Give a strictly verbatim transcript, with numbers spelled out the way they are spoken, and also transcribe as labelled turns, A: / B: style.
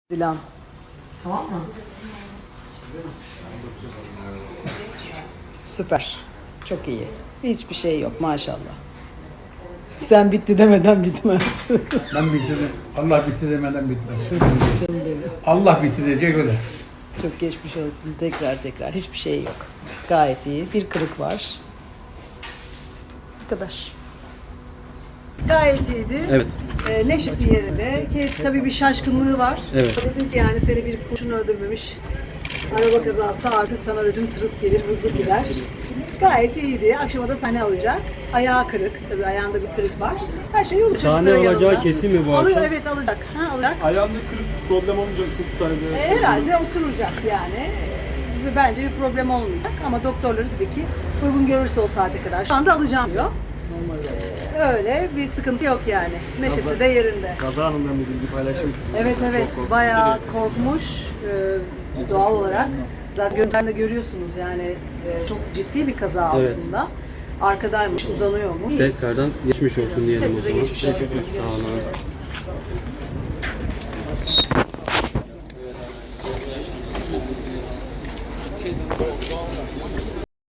A: Dilan.
B: Tamam mı?
A: Süper. Çok iyi. Hiçbir şey yok maşallah. Sen bitti demeden bitmez.
C: Ben bitirdim. Allah bitti demeden bitmez.
A: Canım benim.
C: Allah bitti diyecek öyle.
A: Çok geçmiş olsun. Tekrar tekrar. Hiçbir şey yok. Gayet iyi. Bir kırık var. Bu kadar. Gayet iyiydi.
D: Evet.
A: Ee, neşesi yerinde. Ki tabii bir şaşkınlığı var.
D: Evet.
A: Dedim ki yani seni bir kurşun öldürmemiş. Araba kazası artık sana ödüm tırıs gelir, hızlı gider. Gayet iyiydi. Akşama da sahne alacak. Ayağı kırık. Tabii ayağında bir kırık var. Her şey yolu
D: Sahne
A: çocukların
D: alacağı
A: yanında.
D: kesin mi bu
A: Alıyor,
D: akşam?
A: evet alacak. Ha, alacak.
E: Ayağında kırık problem olmayacak kırk saniyede.
A: E, herhalde oturacak yani. Ve bence bir problem olmayacak ama doktorları dedi ki uygun görürse o saate kadar. Şu anda alacağım diyor. Ee, öyle bir sıkıntı yok yani. Neşesi de yerinde.
E: Kaza anından bir bilgi paylaşmışsınız.
A: Evet evet bayağı korkmuş ee, doğal olarak. Zaten görüntülerinde görüyorsunuz yani e, çok ciddi bir kaza
D: Evet.
A: aslında. Arkadaymış, uzanıyormuş.
D: Tekrardan geçmiş olsun diyelim o
A: Hepinize
D: zaman.
A: geçmiş olsun.
D: Sağ olun.